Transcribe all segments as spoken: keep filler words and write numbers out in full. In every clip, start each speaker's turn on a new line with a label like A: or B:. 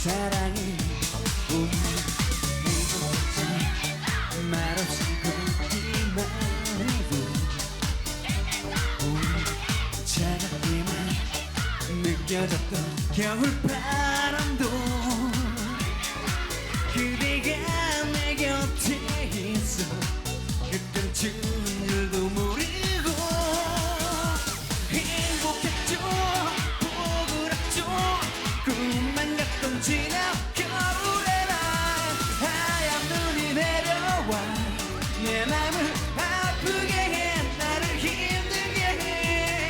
A: 사랑이 오늘 행복했지 말없이 걷기만 해도 오늘 차갑게만 느껴졌던 겨울바람도 그대가 내 곁에 있어 그땐 추운 줄도 모르고 행복했죠 포근했죠 꿈만 같던 지난 겨울의 날 하얀 눈이 내려와 내 맘을 아프게 해 나를 힘들게 해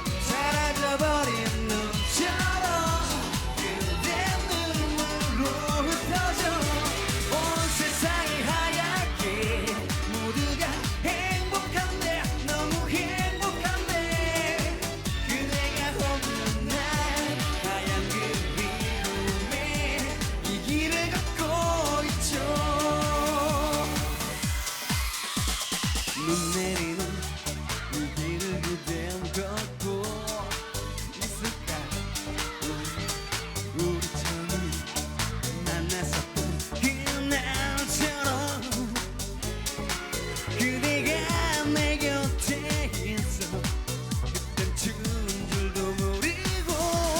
A: 사라져버린 눈처럼 그대 눈물로 흩어져 온 세상이 하얗게 모두가 행복한데 너무 행복한데 그대가 없는 날 하얀 그리움에 이 길을 걷고 있죠 눈 내리는 이 길을 그댄 걷고 있을까 우리 처음 만났었던 그날처럼 그대가 내 곁에 있어 그땐 추운 줄도 모르고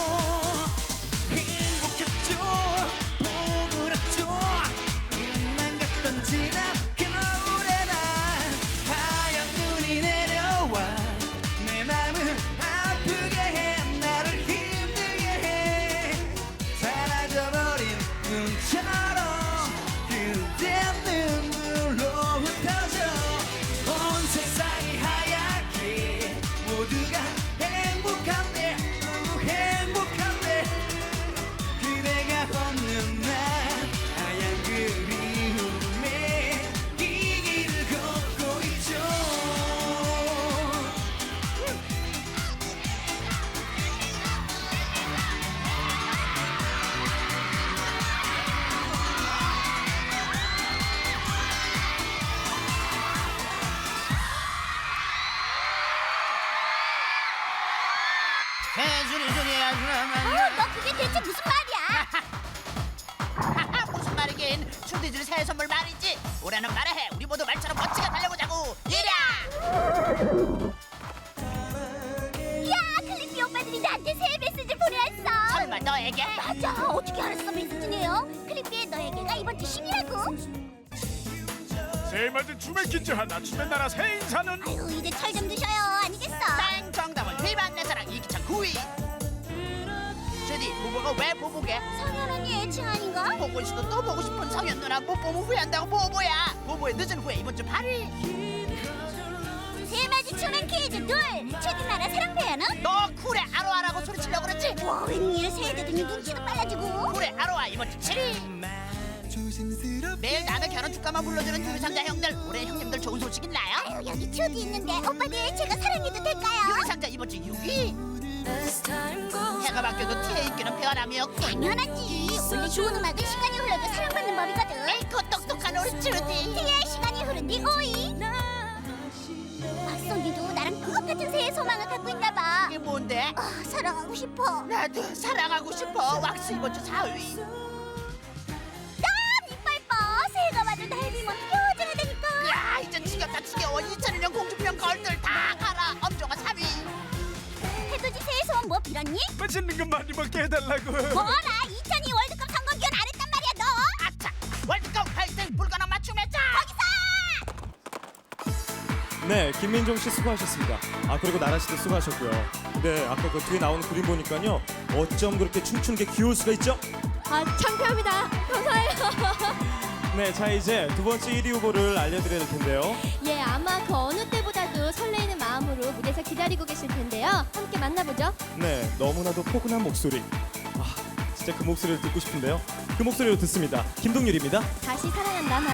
A: 행복했죠 포근했죠 꿈만 같던 지난 겨울의 날 하얀 눈이 내려와 내 맘을 아프게 해 나를 힘들게 해 사라져버린 눈처럼 그대 눈물로 흩어져 온 세상이 하얗게 모두가 행복한데 너무 행복한데 그대가 없는 날 하얀 그리움에 이 길을 걷고 있죠
B: 해주리 주리
C: 어,
B: 아주라만
C: 너 그게 대체 무슨 말이야?
B: 무슨 말이긴 춘디줄 새 선물 말이지 올해는 말해 우리 모두 말처럼 멋지게 달려보자고 이랴
C: 야, 클리피 오빠들이 나한테 새해 메시지를 보내왔어.
B: 설마 너에게
C: 맞아, 어떻게 알았어 메시지 내요? 클리피의 너에게가 이번 주 십이라고.
D: 새해 맞은 춤의 퀴즈 하나 춤의 나라 새 인사는
C: 아유, 이제 철 좀 드셔요, 아니겠어?
B: 땡 정답은 비반 내 사랑 이기찬 구 위 주디 부부가 왜 부부게
C: 성현 언니 애칭 아닌가?
B: 보고 있어도 또 보고 싶은 성현 누나 못 보면 후회한다고 보보야 보보의 늦은 후회 이번 주 팔 일
C: 새해 맞이 춤앤 퀴즈 둘. 최딘 나라 사랑 표현은?
B: 너 쿨에 아로아라고 소리치려고 그랬지
C: 와, 웬일 새해 되더니 눈치도 빨라지고.
B: 쿨에 아로아 이번 주 칠 위 매일 남의 결혼 축가만 불러주는 유리상자 형들 올해 형님들 좋은 소식 있나요?
C: 아유, 여기 추디 있는데 오빠들 제가 사랑해도 될까요?
B: 유리상자 이번 주 육 위 해가 바뀌어도 티에 있기는 변함이었군
C: 당연하지. 원래 좋은 음악은 시간이 흘러도 사랑받는 법이거든.
B: 에이코 똑똑한 우리 주디
C: 티의 시간이 흐른 뒤 오 위. 박성기도 나랑 똑같은 새해 소망을 갖고 있나봐.
B: 이게 뭔데?
C: 아, 사랑하고 싶어.
B: 나도 사랑하고 싶어 왁스 이번 주 사 위
C: 난 이빨 뻐. 새해가 와도 날 비면 뾰족하다니까.
B: 야 이제 지겹다 지겨워 이천일 년 공주편 걸들 다 가라 엄정화 삼 위
C: 해돋이 새해 소원 뭐 빌었니?
D: 맛있는 거 많이 먹게 해달라고
C: 뭐라? 이천이 월드컵 선거 기원 안 했단 말이야 너.
B: 아차 월드컵 화이팅 불가능 맞춤 했자
C: 거기서.
E: 네, 김민종 씨 수고하셨습니다. 아 그리고 나라 씨도 수고하셨고요. 네, 아까 그 뒤에 나오는 그림 보니까요, 어쩜 그렇게 춤추는 게 귀여울 수가 있죠?
C: 아, 창피합니다. 감사해요.
E: 네, 자 이제 두 번째 일 위 후보를 알려드려야 될 텐데요.
F: 예, 아마 그 어느 때보다도 설레이는 마음으로 무대에서 기다리고 계실 텐데요. 함께 만나보죠.
E: 네, 너무나도 포근한 목소리. 아, 진짜 그 목소리를 듣고 싶은데요. 그 목소리로 듣습니다. 김동률입니다.
F: 다시 사랑한다.